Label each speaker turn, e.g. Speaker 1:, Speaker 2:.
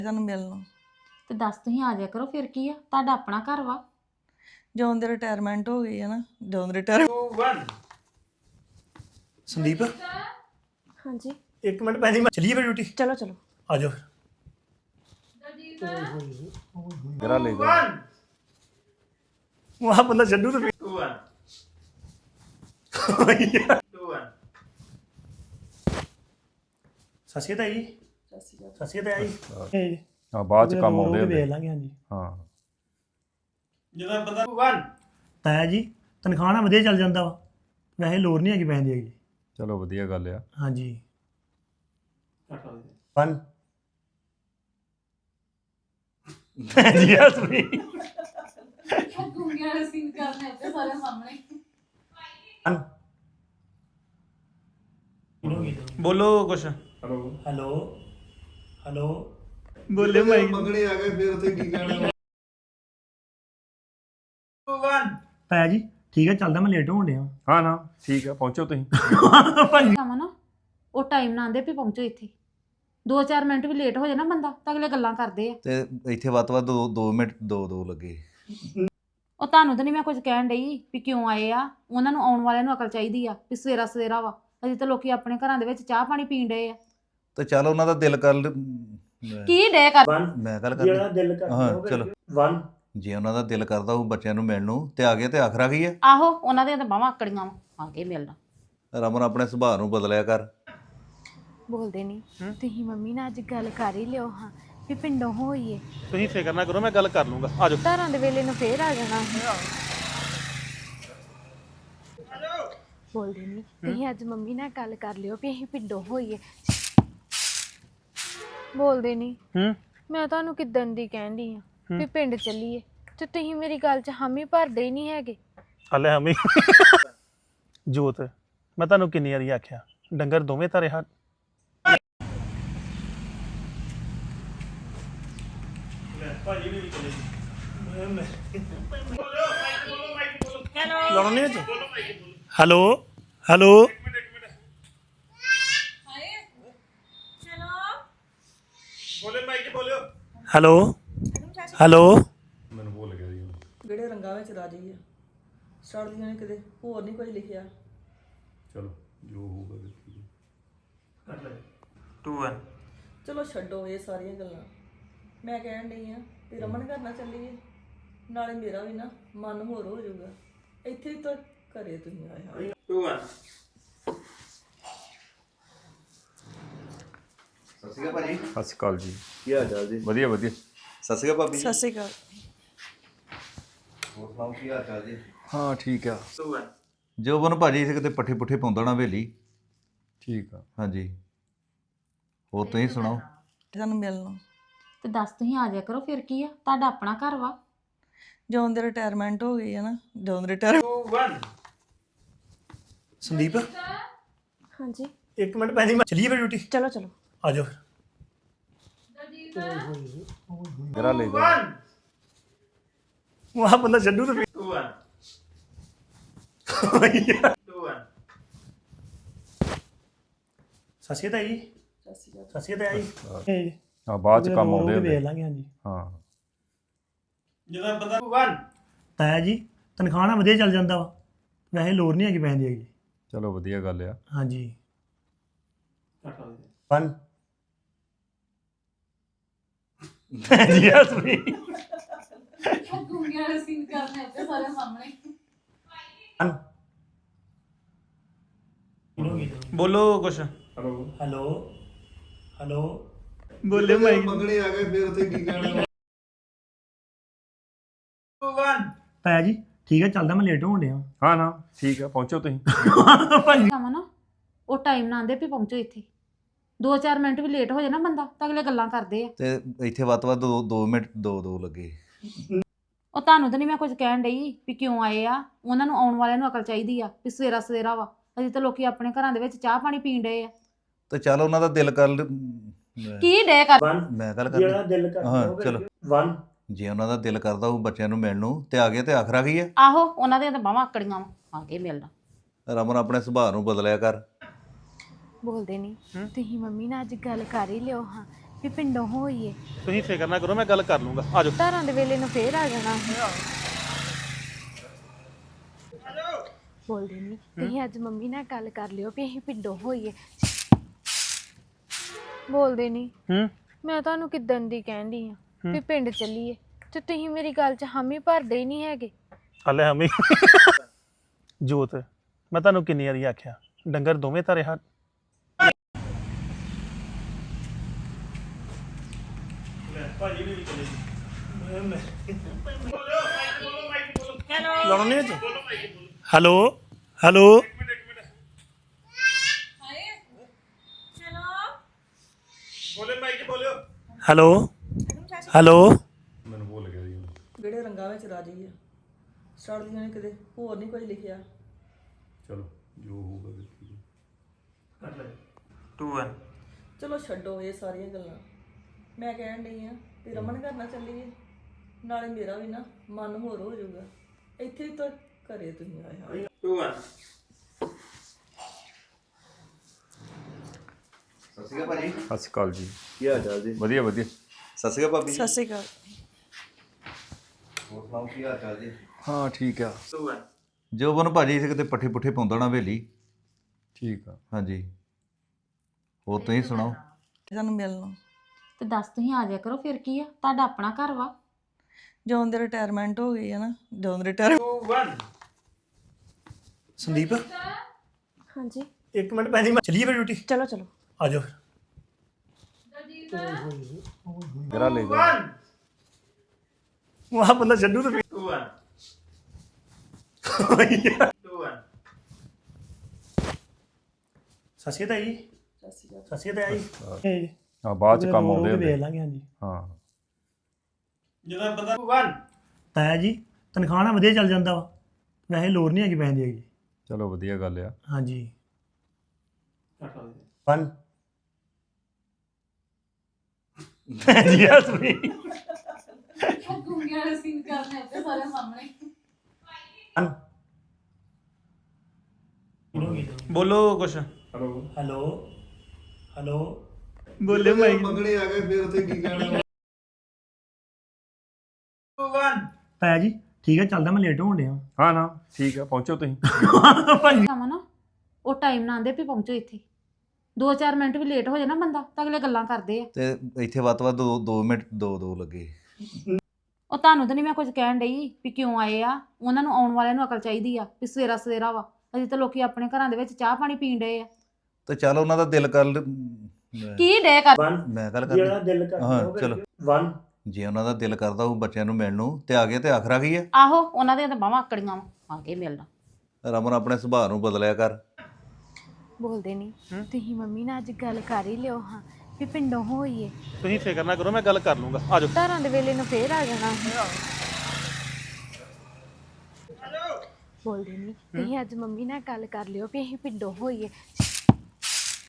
Speaker 1: ਸਾਨੂੰ ਮਿਲਣ
Speaker 2: ਤੇ ਦੱਸ ਤੁਸੀਂ ਆ ਜਾਇਆ ਕਰੋ ਫਿਰ ਕੀ ਆ ਤੁਹਾਡਾ ਆਪਣਾ ਘਰ ਵਾ
Speaker 1: ਜਦੋਂ ਦੇ ਰਿਟਾਇਰਮੈਂਟ ਹੋ ਗਈ ਹੈ ਨਾ ਜਦੋਂ ਦੇ ਰਿਟਾਇਰ
Speaker 3: ਸੰਦੀਪ
Speaker 4: ਹਾਂਜੀ
Speaker 3: ਇੱਕ ਮਿੰਟ ਪੈਣੀ ਮੈਂ ਚਲੀਏ ਫਿਰ ਡਿਊਟੀ
Speaker 4: ਚਲੋ ਚਲੋ
Speaker 3: ਆ ਜਾਓ
Speaker 5: ਜਰਾ ਲੈ ਜਾ
Speaker 3: ਵਾਹ ਬੰਦਾ ਛੱਡੂ ਤੇ ਸਸੀ ਤਾਂ ਜੀ ਸਸੀ ਤਾਂ ਜੀ
Speaker 5: ਹਾਂ ਬਾਅਦ ਚ ਕੰਮ ਆਉਂਦੇ
Speaker 3: ਵੇਖ
Speaker 5: ਹੁੰਦੇ
Speaker 3: ਲਾਂਗੇ ਹਾਂਜੀ
Speaker 5: ਹਾਂ
Speaker 3: ਜਦੋਂ ਬੰਦਾ ਤਾਇਆ ਜੀ ਤਨਖਾਹ ਨਾਲ ਵਧੀਆ ਚੱਲ ਜਾਂਦਾ ਵਾ ਵੈਸੇ ਲੋੜ ਨਹੀਂ ਹੈਗੀ ਪੈਸੇ ਦੀ ਹੈਗੀ
Speaker 5: ਚਲੋ ਵਧੀਆ ਗੱਲ ਆ
Speaker 3: ਹਾਂਜੀ 1 ਜੀ ਅਸਲੀ
Speaker 2: ਗੁੰਗਿਆਂ ਦੇ ਸੀਨ ਕਰਨੇ ਤੇ ਸਾਰੇ ਸਾਹਮਣੇ
Speaker 3: ਬੋਲੋ ਕੁਛ ਹੈਲੋ ਹੈਲੋ ਬੋਲੇ ਮਾਈਕ
Speaker 6: ਮੰਗਣੇ ਆ ਗਏ ਫਿਰ ਉੱਥੇ ਕੀ ਕਹਿਣਾ
Speaker 3: ਤਾਇਆ ਜੀ ਠੀਕ ਹੈ ਚੱਲਦਾ ਮੈਂ ਲੇਟ ਹੋਣ ਡਿਆ
Speaker 5: ਹਾਂ ਨਾ ਠੀਕ ਆ ਪਹੁੰਚੋ ਤੁਸੀਂ
Speaker 3: ਭਾਜੀ
Speaker 2: ਕੰਮ ਨਾ ਉਹ ਟਾਈਮ ਨਾਲ ਆਂਦੇ ਵੀ ਪਹੁੰਚੋ ਇੱਥੇ 2-4 ਮਿੰਟ ਵੀ ਲੇਟ ਹੋ ਜਾਏ ਨਾ ਬੰਦਾ ਤਾਂ ਅਗਲੇ ਗੱਲਾਂ ਕਰਦੇ ਆ
Speaker 6: ਤੇ ਇੱਥੇ ਵੱਧ ਤੋਂ ਵੱਧ 2 ਮਿੰਟ 2 ਲੱਗੇ
Speaker 2: ਉਹ ਤੁਹਾਨੂੰ ਤਾਂ ਨਹੀਂ ਮੈਂ ਕੁਝ ਕਹਿਣ ਡਈ ਵੀ ਕਿਉਂ ਆਏ ਆ ਉਹਨਾਂ ਨੂੰ ਆਉਣ ਵਾਲਿਆਂ ਨੂੰ ਅਕਲ ਚਾਹੀਦੀ ਆ ਵੀ ਸਵੇਰਾ ਸਵੇਰਾ ਵਾ ਅਜੇ ਤਾਂ ਲੋਕੀ ਆਪਣੇ ਘਰਾਂ ਦੇ ਵਿੱਚ ਚਾਹ ਪਾਣੀ ਪੀਣ ਡਏ ਆ
Speaker 6: ਤੇ ਚੱਲ ਉਹਨਾਂ ਦਾ ਦਿਲ ਕਰ
Speaker 2: ਕੀ ਡੇ ਕਰ
Speaker 3: 1
Speaker 6: ਮੈਂ ਗੱਲ
Speaker 3: ਜਿਹੜਾ
Speaker 6: ਕਰਨੀ
Speaker 3: ਦਿਲ ਕਰਦਾ
Speaker 6: ਹਾਂ,
Speaker 3: ਉਹ
Speaker 6: ਚਲੋ।
Speaker 3: ਕਰੀਏ। 1
Speaker 6: ਜੇ ਉਹਨਾਂ ਦਾ ਦਿਲ ਕਰਦਾ ਉਹ ਬੱਚਿਆਂ ਨੂੰ ਮਿਲਣ ਨੂੰ ਤੇ ਆ ਗਏ ਤੇ ਆਖਰਾ ਕੀ ਹੈ
Speaker 2: ਆਹੋ ਉਹਨਾਂ ਦੀਆਂ ਤਾਂ ਬਾਹਾਂ ਆਕੜੀਆਂ ਵਾ ਆ ਕੇ ਮਿਲਣਾ
Speaker 6: ਰਮਨ ਆਪਣੇ ਸੁਭਾਅ ਨੂੰ ਬਦਲਿਆ ਕਰ
Speaker 4: ਬੋਲਦੇ ਨਹੀਂ ਤੁਸੀਂ ਮੰਮੀ ਨਾਲ ਅੱਜ ਗੱਲ ਕਰ ਹੀ ਲਿਓ ਹਾਂ ਵੀ ਪਿੰਡੋਂ ਹੋਈਏ
Speaker 3: ਤੁਸੀਂ ਫਿਕਰ ਨਾ ਕਰੋ ਮੈਂ ਗੱਲ ਕਰ ਲੂੰਗਾ ਆ ਜਾਓ
Speaker 4: ਧਾਰਾਂ ਦੇ ਵੇਲੇ ਨੂੰ ਫੇਰ ਆ ਜਾਣਾ ਬੋਲਦੇ ਨਹੀਂ ਤੁਸੀਂ ਅੱਜ ਮੰਮੀ ਨਾਲ ਗੱਲ ਕਰ ਲਿਓ ਵੀ ਅਸੀਂ ਪਿੰਡੋਂ ਹੋਈਏ ਬੋਲਦੇ ਨਹੀਂ ਮੈਂ ਤੁਹਾਨੂੰ ਕਿੱਦਣ ਦੀ ਕਹਿੰਦੀ ਆ ਵੀ ਪਿੰਡ ਚੱਲੀਏ ਤੇ ਤੁਸੀਂ ਮੇਰੀ ਗੱਲ 'ਚ ਹਾਮੀ ਭਰਦੇ ਹੀ ਨਹੀਂ ਹੈਗੇ
Speaker 3: ਹਲੇ ਹਮੀ ਜੋਤ ਮੈਂ ਤੁਹਾਨੂੰ ਕਿੰਨੀ ਵਾਰੀ ਆਖਿਆ ਡੰਗਰ ਦੋਵੇਂ ਧਾਰੇ ਹੱਥ ਹੈਲੋ ਹੈਲੋ ਹੈਲੋ ਹੈਲੋ
Speaker 5: ਮੈਨੂੰ ਭੁੱਲ ਗਿਆ ਜੀ
Speaker 1: ਜਿਹੜੇ ਰੰਗਾਂ ਵਿੱਚ ਰਾਜੀ ਆ ਸੜਦੀਆਂ ਨੇ ਕਿਤੇ ਹੋਰ ਨਹੀਂ ਕੁਝ ਲਿਖਿਆ
Speaker 5: ਚਲੋ ਜੋ ਹੋਊਗਾ ਦੇਖੀਏ
Speaker 3: 2 1
Speaker 1: ਚਲੋ ਛੱਡੋ ਇਹ ਸਾਰੀਆਂ ਗੱਲਾਂ ਮੈਂ ਕਹਿਣ ਡਈ ਆ ਵੀ ਰਮਨ ਘਰ ਨਾ ਚੱਲੀਏ ਨਾਲੇ ਮੇਰਾ ਵੀ ਨਾ ਮਨ ਹੋਰ ਹੋ ਜਾਊਗਾ ਇੱਥੇ ਹੀ ਤਾਂ ਘਰੇ ਤੁਸੀਂ ਆਏ ਹਾਂ
Speaker 3: 2 1
Speaker 6: ਸਤਿ ਸ਼੍ਰੀ ਅਕਾਲ ਭਾਜੀ
Speaker 5: ਸਤਿ ਸ਼੍ਰੀ ਅਕਾਲ ਜੀ
Speaker 6: ਕੀ ਹਾਲ ਚਾਲ ਜੀ
Speaker 5: ਵਧੀਆ ਵਧੀਆ
Speaker 6: ਸਤਿ ਸ਼੍ਰੀ ਅਕਾਲ ਭਾਬੀ
Speaker 1: ਸਤਿ ਸ਼੍ਰੀ ਅਕਾਲ
Speaker 6: ਹੋਰ ਸੁਣਾਓ ਕੀ ਹਾਲ ਚਾਲ ਜੀ
Speaker 5: ਹਾਂ ਠੀਕ ਆ
Speaker 3: 2 1
Speaker 6: ਜੋਬਨ ਭਾਜੀ ਇਸੇ ਕਿਤੇ ਪੱਠੇ ਪੁੱਠੇ ਪਾਉਂਦਾ ਨਾ ਹਵੇਲੀ
Speaker 5: ਠੀਕ ਆ
Speaker 6: ਹਾਂਜੀ ਹੋਰ ਤੁਸੀਂ ਸੁਣਾਓ
Speaker 1: ਸਾਨੂੰ ਮਿਲਣ
Speaker 2: ਤੇ ਦੱਸ ਤੁਸੀਂ ਆ ਜਾਇਆ ਕਰੋ ਫਿਰ ਕੀ ਆ ਤੁਹਾਡਾ ਆਪਣਾ ਘਰ ਵਾ
Speaker 1: ਜਦੋਂ ਦੇ ਰਿਟਾਇਰਮੈਂਟ ਹੋ ਗਈ ਹੈ ਨਾ ਜਦੋਂ ਦੇ ਰਿਟਾਇਰ
Speaker 3: 2 1 ਸੰਦੀਪ
Speaker 4: ਹਾਂਜੀ
Speaker 3: ਇੱਕ ਮਿੰਟ ਪੈਣੀ ਮੈਂ ਚਲੀਏ ਫਿਰ ਡਿਊਟੀ
Speaker 4: ਚਲੋ ਚਲੋ
Speaker 3: ਆ ਜਾਓ
Speaker 5: ਜਰਾ ਲੈ ਜਾ
Speaker 3: ਵਾਹ ਬੰਦਾ ਛੱਡੂ ਤੇ 2 1 2 1 ਸਸੀ ਤਾਂ ਜੀ ਸਸੀ ਤਾਂ ਜੀ
Speaker 5: ਹਾਂ ਬਾਅਦ ਚ ਕੰਮ ਆਉਂਦੇ
Speaker 3: ਵੇਖ
Speaker 5: ਹੁੰਦੇ
Speaker 3: ਲਾਂਗੇ ਹਾਂਜੀ
Speaker 5: ਹਾਂ
Speaker 3: ਜਦੋਂ ਬੰਦਾ 1 ਤਾਇਆ ਜੀ ਤਨਖਾਹ ਨਾਲ ਵਧੀਆ ਚੱਲ ਜਾਂਦਾ ਵਾ ਵੈਸੇ ਲੋੜ ਨਹੀਂ ਹੈਗੀ ਪੈਸੇ ਦੀ ਹੈਗੀ
Speaker 5: ਚਲੋ ਵਧੀਆ ਗੱਲ ਆ
Speaker 3: ਹਾਂਜੀ 1 ਜੀ ਅਸਲੀ
Speaker 2: ਗੁੰਗਿਆਂ ਦੇ ਸੀਨ ਕਰਨੇ ਤੇ ਸਾਰੇ ਸਾਹਮਣੇ
Speaker 3: 1 ਬੋਲੋ ਕੁਛ ਹੈਲੋ ਹੈਲੋ ਬੋਲੇ ਮਾਈਕ
Speaker 6: ਮੰਗਣੇ ਆ ਗਏ ਫਿਰ ਉੱਥੇ ਕੀ ਕਹਿਣਾ
Speaker 3: ਤਾਇਆ ਜੀ ਠੀਕ ਹੈ ਚੱਲਦਾ ਮੈਂ ਲੇਟ ਹੋਣ ਡਿਆ
Speaker 5: ਹਾਂ ਨਾ ਠੀਕ ਆ ਪਹੁੰਚੋ ਤੁਸੀਂ
Speaker 2: ਕੰਮ ਨਾ ਉਹ ਟਾਈਮ ਨਾਲ ਆਂਦੇ ਵੀ ਪਹੁੰਚੋ ਇੱਥੇ 2-4 ਮਿੰਟ ਵੀ ਲੇਟ ਹੋ ਜਾਏ ਨਾ ਬੰਦਾ ਤਾਂ ਅਗਲੇ ਗੱਲਾਂ ਕਰਦੇ ਆ
Speaker 6: ਤੇ ਇੱਥੇ ਵੱਧ ਤੋਂ ਵੱਧ 2 ਮਿੰਟ 2 ਲੱਗੇ
Speaker 2: ਉਹ ਤੁਹਾਨੂੰ ਤਾਂ ਨਹੀਂ ਮੈਂ ਕੁਝ ਕਹਿਣ ਡਈ ਵੀ ਕਿਉਂ ਆਏ ਆ ਉਹਨਾਂ ਨੂੰ ਆਉਣ ਵਾਲਿਆਂ ਨੂੰ ਅਕਲ ਚਾਹੀਦੀ ਆ ਵੀ ਸਵੇਰਾ ਸਵੇਰਾ ਵਾ ਅਜੇ ਤਾਂ ਲੋਕੀ ਆਪਣੇ ਘਰਾਂ ਦੇ ਵਿੱਚ ਚਾਹ ਪਾਣੀ ਪੀਣ ਡਏ ਆ
Speaker 6: ਤੇ ਚੱਲ ਉਹਨਾਂ ਦਾ ਦਿਲ ਕਰ
Speaker 2: ਕੀ ਡੇ ਕਰ
Speaker 3: 1
Speaker 6: ਮੈਂ ਗੱਲ ਕਰਨੀ
Speaker 3: ਜਿਹੜਾ ਦਿਲ ਕਰਦਾ
Speaker 6: ਹਾਂ,
Speaker 3: ਉਹ
Speaker 6: ਚਲੋ।
Speaker 3: ਕਰੀਏ। 1
Speaker 6: ਜੇ ਉਹਨਾਂ ਦਾ ਦਿਲ ਕਰਦਾ ਉਹ ਬੱਚਿਆਂ ਨੂੰ ਮਿਲਣ ਨੂੰ ਤੇ ਆ ਗਏ ਤੇ ਆਖਰਾ ਕੀ ਹੈ
Speaker 2: ਆਹੋ ਉਹਨਾਂ ਦੀਆਂ ਤਾਂ ਬਾਹਾਂ ਆਕੜੀਆਂ ਵਾ ਆ ਕੇ ਮਿਲਣਾ
Speaker 6: ਰਮਨ ਆਪਣੇ ਸੁਭਾਅ ਨੂੰ ਬਦਲਿਆ ਕਰ
Speaker 4: ਬੋਲਦੇ ਨਹੀਂ ਤੁਸੀਂ ਮੰਮੀ ਨਾਲ ਅੱਜ ਗੱਲ ਕਰ ਹੀ ਲਿਓ ਹਾਂ ਵੀ ਪਿੰਡੋਂ ਹੋਈਏ।
Speaker 7: ਤੁਸੀਂ ਫਿਕਰ ਨਾ ਕਰੋ, ਮੈਂ ਗੱਲ ਕਰ ਲੂੰਗਾ। ਆ ਜਾਓ।
Speaker 4: ਧਾਰਾਂ ਦੇ ਵੇਲੇ ਨੂੰ ਫੇਰ ਆ ਜਾਣਾ ਸੀ। ਬੋਲਦੇ ਨਹੀਂ ਤੁਸੀਂ ਅੱਜ ਮੰਮੀ ਨਾਲ ਗੱਲ ਕਰ ਲਿਓ ਵੀ ਅਸੀਂ ਪਿੰਡੋਂ ਹੋਈਏ। ਬੋਲਦੇ ਨਹੀਂ ਮੈਂ ਤੁਹਾਨੂੰ ਕਿੱਦਣ ਦੀ ਕਹਿੰਦੀ ਆ ਵੀ ਪਿੰਡ ਚੱਲੀਏ ਤੇ ਤੁਸੀਂ ਮੇਰੀ ਗੱਲ 'ਚ ਹਾਮੀ ਭਰਦੇ ਹੀ ਨਹੀਂ ਹੈਗੇ।
Speaker 7: ਹਲੇ ਹਮੇ ਜੋਤ, ਮੈਂ ਤੁਹਾਨੂੰ ਕਿੰਨੀ ਵਾਰੀ ਆਖਿਆ ਡੰਗਰ ਦੋਵੇਂ ਧਾਰੇ ਹੱਥ।
Speaker 3: ਭਾਜੀ ਵੀ ਚਲੇ ਜੀ ਲਾਉਣੇ ਚ ਹੈਲੋ ਹੈਲੋ ਹੈਲੋ ਹੈਲੋ
Speaker 5: ਮੈਨੂੰ ਭੁੱਲ ਗਿਆ ਜੀ।
Speaker 1: ਜਿਹੜੇ ਰੰਗਾਂ ਵਿੱਚ ਰਾਜੀ ਆ ਸੜਦੀਆਂ ਨੇ ਕਿਤੇ ਹੋਰ ਨਹੀਂ ਕੋਈ ਲਿਖਿਆ।
Speaker 5: ਚਲੋ ਜੋ ਹੋਊਗਾ ਦੇਖੀਏ।
Speaker 3: ਕਰ ਲੈ 2 1
Speaker 1: ਚਲੋ ਛੱਡੋ ਇਹ ਸਾਰੀਆਂ ਗੱਲਾਂ। ਮੈਂ ਕਹਿਣ ਡਈ ਆ ਵੀ ਰਮਨ ਘਰ ਨਾ ਚੱਲੀਏ, ਨਾਲੇ ਮੇਰਾ ਵੀ ਨਾ ਮਨ ਹੋਰ ਹੋ ਜਾਊਗਾ। ਇੱਥੇ ਹੀ ਤਾਂ ਘਰੇ ਤੁਸੀਂ ਆਏ ਹੋ।
Speaker 3: 2 1
Speaker 6: ਸਤਿ ਸ਼੍ਰੀ ਅਕਾਲ ਭਾਜੀ।
Speaker 5: ਸਤਿ ਸ਼੍ਰੀ ਅਕਾਲ ਜੀ।
Speaker 6: ਕੀ ਹਾਲ ਚਾਲ ਜੀ?
Speaker 5: ਵਧੀਆ ਵਧੀਆ।
Speaker 6: ਸਤਿ ਸ਼੍ਰੀ ਅਕਾਲ ਭਾਬੀ।
Speaker 1: ਸਤਿ ਸ਼੍ਰੀ ਅਕਾਲ।
Speaker 6: ਹੋਰ ਸੁਣਾਓ ਕੀ ਹਾਲ ਚਾਲ ਜੀ?
Speaker 5: ਹਾਂ ਠੀਕ ਆ।
Speaker 3: 2 1
Speaker 6: ਜੋਬਨ ਭਾਜੀ ਇੱਥੇ ਕਿਤੇ ਪੱਠੇ ਪੁੱਠੇ ਪਾਉਂਦਾ ਨਾ ਹਵੇਲੀ।
Speaker 5: ਠੀਕ ਆ।
Speaker 6: ਹਾਂਜੀ ਹੋਰ ਤੁਸੀਂ ਸੁਣਾਓ?
Speaker 1: ਸਾਨੂੰ ਮਿਲਣਾ
Speaker 2: ਤੇ ਦੱਸ ਤੁਸੀਂ ਆ ਜਾਇਆ ਕਰੋ, ਫਿਰ ਕੀ ਆ, ਤੁਹਾਡਾ ਆਪਣਾ ਘਰ ਵਾ।
Speaker 1: ਜਦੋਂ ਦੇ ਰਿਟਾਇਰਮੈਂਟ ਹੋ ਗਈ ਹੈ ਨਾ, ਜਦੋਂ ਦੇ ਰਿਟਾਇਰ
Speaker 3: 2 1 ਸੰਦੀਪ
Speaker 4: ਹਾਂਜੀ
Speaker 3: 1 ਮਿੰਟ ਪੈਣੀ ਮੈਂ ਚਲੀਏ ਫਿਰ ਡਿਊਟੀ।
Speaker 4: ਚਲੋ ਚਲੋ
Speaker 3: ਆ ਜਾਓ
Speaker 5: ਗਰਾ ਲੈ ਜਾ।
Speaker 3: ਵਹਾਂ ਬੰਦਾ ਛੱਡੂ ਤੇ 2 1 2 1 ਸਸੀ ਤਾਂ ਜੀ ਸਸੀ ਤਾਂ ਜੀ
Speaker 5: ਹਾਂ ਬਾਅਦ ਚ ਕੰਮ ਆਉਂਦੇ
Speaker 3: ਵੇਖ
Speaker 5: ਹੁੰਦੇ।
Speaker 3: ਲਾਂਗੇ। ਹਾਂਜੀ
Speaker 5: ਹਾਂ
Speaker 3: ਜਦੋਂ ਬੰਦਾ 1 ਤਾਇਆ ਜੀ ਤਨਖਾਹ ਨਾਲ ਵਧੀਆ ਚੱਲ ਜਾਂਦਾ ਵਾ, ਵੈਸੇ ਲੋੜ ਨਹੀਂ ਹੈਗੀ ਪੈਸੇ ਦੀ ਹੈਗੀ।
Speaker 5: ਚਲੋ ਵਧੀਆ ਗੱਲ ਆ।
Speaker 3: ਹਾਂਜੀ 1 ਜੀ ਹਸਵੀ
Speaker 2: ਗੁੰਗਿਆਂ ਵਾਲੇ ਸੀਨ ਕਰਨੇ ਤੇ ਸਾਰੇ ਸਾਹਮਣੇ।
Speaker 7: ਬੋਲੋ ਕੁਛ।
Speaker 5: ਹੈਲੋ
Speaker 3: ਹੈਲੋ ਹੈਲੋ
Speaker 7: ਬੋਲੇ ਮਾਈ।
Speaker 6: ਮੰਗਣੇ ਆ ਗਏ ਫਿਰ ਉੱਥੇ ਕੀ ਕਹਿਣਾ?
Speaker 3: ਤਾਇਆ ਜੀ ਠੀਕ ਹੈ, ਚੱਲਦਾ, ਮੈਂ ਲੇਟ ਹੋਣ ਡਿਆ।
Speaker 5: ਹਾਂ ਨਾ ਠੀਕ ਆ, ਪਹੁੰਚੋ ਤੁਸੀਂ।
Speaker 3: ਭਾਜੀ
Speaker 2: ਕੰਮ ਨਾ ਉਹ ਟਾਈਮ ਨਾਲ ਆਂਦੇ ਵੀ ਪਹੁੰਚੋ ਇੱਥੇ। 2-4 ਮਿੰਟ ਵੀ ਲੇਟ ਹੋ ਜਾਏ ਨਾ ਬੰਦਾ ਤਾਂ ਅਗਲੇ ਗੱਲਾਂ ਕਰਦੇ ਆ।
Speaker 6: ਤੇ ਇੱਥੇ ਵੱਧ ਤੋਂ ਵੱਧ 2 ਮਿੰਟ 2 ਲੱਗੇ।
Speaker 2: ਉਹ ਤੁਹਾਨੂੰ ਤਾਂ ਨਹੀਂ ਮੈਂ ਕੁਝ ਕਹਿਣ ਡਈ ਵੀ ਕਿਉਂ ਆਏ ਆ, ਉਹਨਾਂ ਨੂੰ ਆਉਣ ਵਾਲਿਆਂ ਨੂੰ ਅਕਲ ਚਾਹੀਦੀ ਆ ਵੀ ਸਵੇਰਾ ਸਵੇਰਾ ਵਾ। ਅਜੇ ਤਾਂ ਲੋਕੀ ਆਪਣੇ ਘਰਾਂ ਦੇ ਵਿੱਚ ਚਾਹ ਪਾਣੀ ਪੀਣ ਡਏ ਆ।
Speaker 6: ਤੇ ਚੱਲ ਉਹਨਾਂ ਦਾ ਦਿਲ ਕਰ
Speaker 2: ਕੀ ਡੇ ਕਰ
Speaker 3: 1
Speaker 6: ਮੈਂ ਗੱਲ
Speaker 3: ਜਿਹੜਾ
Speaker 6: ਕਰਨੀ।
Speaker 3: ਦਿਲ ਕਰਦਾ
Speaker 6: ਹਾਂ,
Speaker 3: ਉਹ
Speaker 6: ਚਲੋ।
Speaker 3: 1
Speaker 6: ਜੇ ਉਹਨਾਂ ਦਾ ਦਿਲ ਕਰਦਾ ਉਹ ਬੱਚਿਆਂ ਨੂੰ ਮਿਲਣ ਨੂੰ ਤੇ ਆ ਗਿਆ ਤੇ ਆਖਰਾ ਕੀ ਹੈ?
Speaker 2: ਆਹੋ ਉਹਨਾਂ ਦੀਆਂ ਤਾਂ ਬਾਹਾਂ ਆਕੜੀਆਂ ਵਾ, ਆ ਕੇ ਮਿਲਣਾ।
Speaker 6: ਰਮਨ ਆਪਣੇ ਸੁਭਾਅ ਨੂੰ ਬਦਲਿਆ ਕਰ।
Speaker 4: ਬੋਲਦੇ ਨਹੀਂ ਤੁਸੀਂ ਮੰਮੀ ਨਾਲ ਅੱਜ ਗੱਲ ਕਰ ਹੀ ਲਿਓ ਹਾਂ ਵੀ ਪਿੰਡੋਂ ਹੋਈਏ।
Speaker 7: ਤੁਸੀਂ ਫਿਕਰ ਨਾ ਕਰੋ, ਮੈਂ ਗੱਲ ਕਰ ਲੂੰਗਾ। ਆ ਜਾਓ।
Speaker 4: ਧਾਰਾਂ ਦੇ ਵੇਲੇ ਨੂੰ ਫੇਰ ਆ ਜਾਣਾ ਸੀ। ਬੋਲਦੇ ਨਹੀਂ ਤੁਸੀਂ ਅੱਜ ਮੰਮੀ ਨਾਲ ਗੱਲ ਕਰ ਲਿਓ ਵੀ ਅਸੀਂ ਪਿੰਡੋਂ ਹੋਈਏ।